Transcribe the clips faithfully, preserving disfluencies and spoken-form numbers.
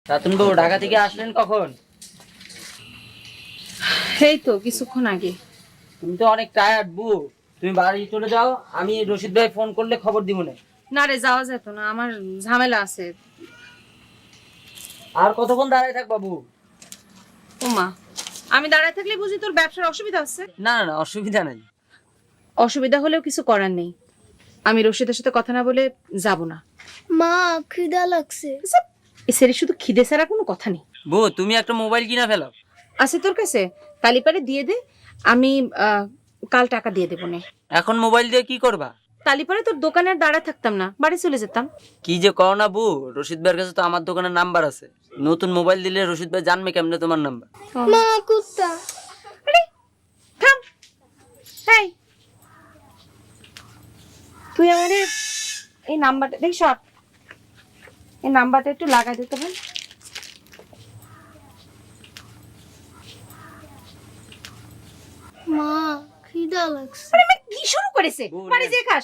রাতুন বাবু ঢাকা থেকে আসলেন কখন? এই তো কিছুক্ষণ আগে। তুমি তো অনেক টায়ার্ড বউ, তুমি বাড়ি চলে যাও, আমি রশিদ ভাই ফোন করলে খবর দিব না। না রে, যাওয়া যেত না, আমার ঝামেলা আছে। আর কতক্ষণ দাঁড়ায় থাকবা বউ? ওমা, আমি দাঁড়ায় থাকলে বুঝি তোর ব্যবসার অসুবিধা হচ্ছে? না না না, অসুবিধা নাই। অসুবিধা হলেও কিছু করার নেই, আমি রশিদের সাথে কথা না বলে যাব না। মা খিদা লাগছে। এ সেরি শুধু খিদে ছাড়া কোনো কথা নেই। বউ তুমি একটা মোবাইল কিনা ফেলো। আছে তোর কাছে? তালিপারে দিয়ে দে, আমি আহ, কাল টাকা দিয়ে দেবো নে। এখন মোবাইল দিয়ে কি করবা? তালিপারে তোর দোকানে আর দাঁড়ায় থাকতাম না, বাড়ি চলে যেতাম। কি যে করো না বউ, রশিদ ভাইয়ের কাছে তো আমার দোকানের নাম্বার আছে। নতুন মোবাইল দিলে রশিদ ভাই জানবে কেমনে তোমার নাম্বার? মা কুত্তা। আরে থাম, এই তুই আমারে এই নাম্বারটা দেখ, সব এই নাম্বারটা একটু লাগাই দিতে হবে। মা খিদা লাগছে। আরে মা কি শুরু করেছে? বাড়ি যেয়ে খাস।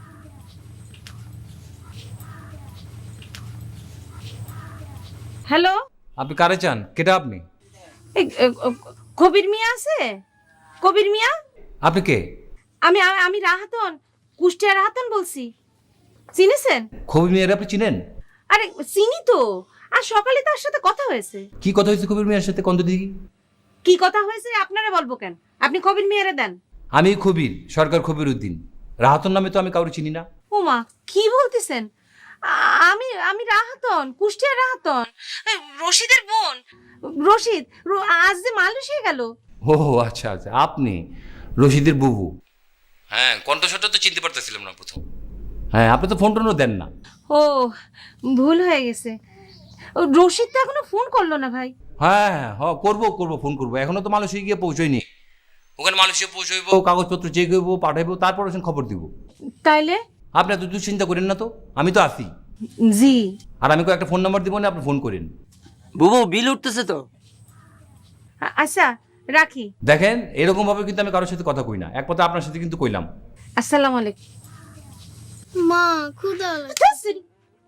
হ্যালো, আপনি কারে চান? কেটা আপনি? এই এ, ও, কবির মিয়া আছে? কবির মিয়া? আপনি কে? আমি আমি- আমি রাহাতন, কুষ্টিয়া রাহাতন বলছি। চিনেছেন? কবির মিয়ার আপনি চিনেন? আরে চিনি তো, আর সকালে তার সাথে কথা হয়েছে। কি কথা হয়েছে কবির মিয়ার সাথে? কন্ত দিকে কি কথা হয়েছে আপনারা বলবো কেন? আপনি কবির মিয়ারে দেন। আমি খবির, সরকার খবির উদ্দিন। রাহাতন নামে তো আমি কাউকে চিনি না। ওমা, কি বলতেছেন? আ- আমি আমি রাহাতন, কুষ্টিয়া রাহাতন, এ, রশিদের বোন। রশিদ র- আজ যে মালয়েশিয়া গেল। ও আচ্ছা আচ্ছা, আপনি রশিদের বুবু। হ্যাঁ, কণ্ঠস্বরটা তো চিনতে পারতেছিলাম না প্রথম। হ্যাঁ, আপনি তো ফোন টোনও দেন না। ও, ভুল হয়ে গেছে। ও, রশিদ তো এখনো ফোন করলো না ভাই। হ্যাঁ হ্যাঁ হ, করবো করবো, ফোন করবো। এখনো তো মালয়েশিয়া গিয়ে পৌঁছয়নি। ওখানে মালয়েশিয়া পৌঁছইব, কাগজপত্র চেক হইব, পাঠাইবো, তারপর ওখানে খবর দিব। তাইলে? আপনি এত চিন্তা করেন না তো, আমি তো আছি। জি। আর আমি একটা ফোন নাম্বার দিব না, আপনি ফোন করেন। বুবু বিল উঠতেছে তো। আ- আচ্ছা রাখি। দেখেন, এরকম ভাবে কিন্তু আমি কারোর সাথে কথা কই না, এক কথা আপনার সাথে কিন্তু কইলাম। আসসালামু আলাইকুম। মা ক্ষুধা লাগছে। ধ্যাৎ,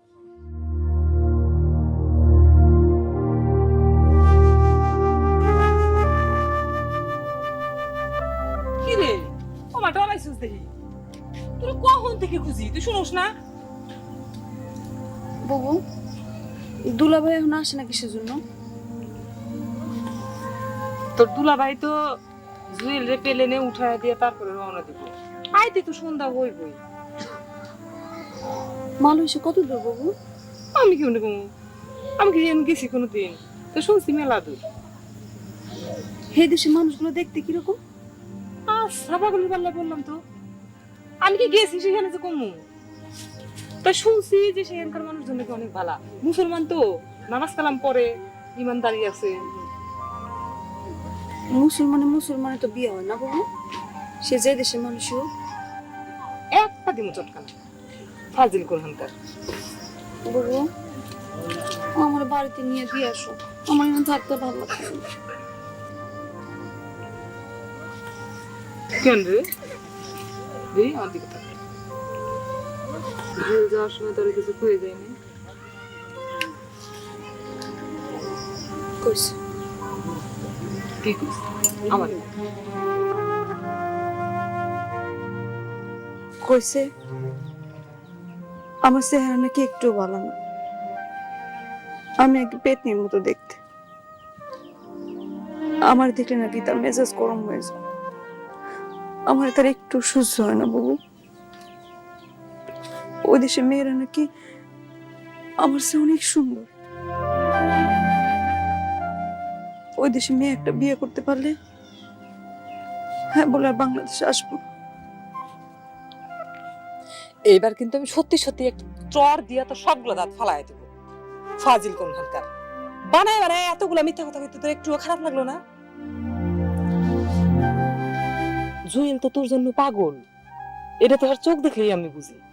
কি রে, ও মাটা অনাইছিস দেখি। তুই কখন থেকে খুঁজি, তুই শুনোস না? বাবু, দুলাভাই এখন আসে না কিসের জন্য? তোর দুলাভাই তো জুয়েল রে পেলেনে উঠায় দিয়ে তারপরে রওনা দিব। আইতে তো সন্ধ্যা হই বই। মালয়েশিয়া কত দূর বাবু? আমি কি মনে কমু, আমি কি এমন গেছি কোনোদিন? তো শুনছি মেলা দূর। হে দেশের মানুষগুলো দেখতে কিরকম? আচ্ছা পাগলি পাল্লা বললাম তো, আমি কি গেছি সেখানে যে কমু? তা শুনছি যে সেখানকার মানুষজন নাকি অনেক ভালো, মুসলমান তো, নামাজ কালাম পড়ে, ইমানদারি আছে। মুসলমানে মুসলমানে তো বিয়ে হয় না বাবু, সে যে দেশের মানুষই হোক। একটা দিমু চটকানা ফাজিল কোরআনকার। বাবু, আমার বাড়িতে নিয়ে দিয়ে আসো, আমার এখানে থাকতে ভালো লাগছে না। কেন রে? দেই আমার দিকে তাকা। জেল যাওয়ার সময় তোর কিছু খুঁজে যায়নি? কইছে কি কইস? আমার কইছে আমার চেহারা নাকি একটু ভালো না, আমি একটু পেতনির মতো দেখতে। আমার দেখলে নাকি তার মেজাজ গরম হয়ে যায়, আমার তার একটু সহ্য হয় না বাবু। ওই দেশে মেয়েরা নাকি আমার চেয়ে অনেক সুন্দর। ওই দেশে মেয়ে একটা বিয়ে করতে পারলে হ্যাঁ বলে আর বাংলাদেশে আসবো না। এইবার কিন্তু আমি সত্যি সত্যি একটা চর দিয়া তো সবগুলো দাঁত ফালাই দেবো। ফাজিল কোনখানকার, বানায় বানায় এতগুলা মিথ্যা কথা কইতে তোর একটুও খারাপ লাগলো না? জুয়েল তো তোর জন্য পাগল, এটা তো আর চোখ দেখেই আমি বুঝি।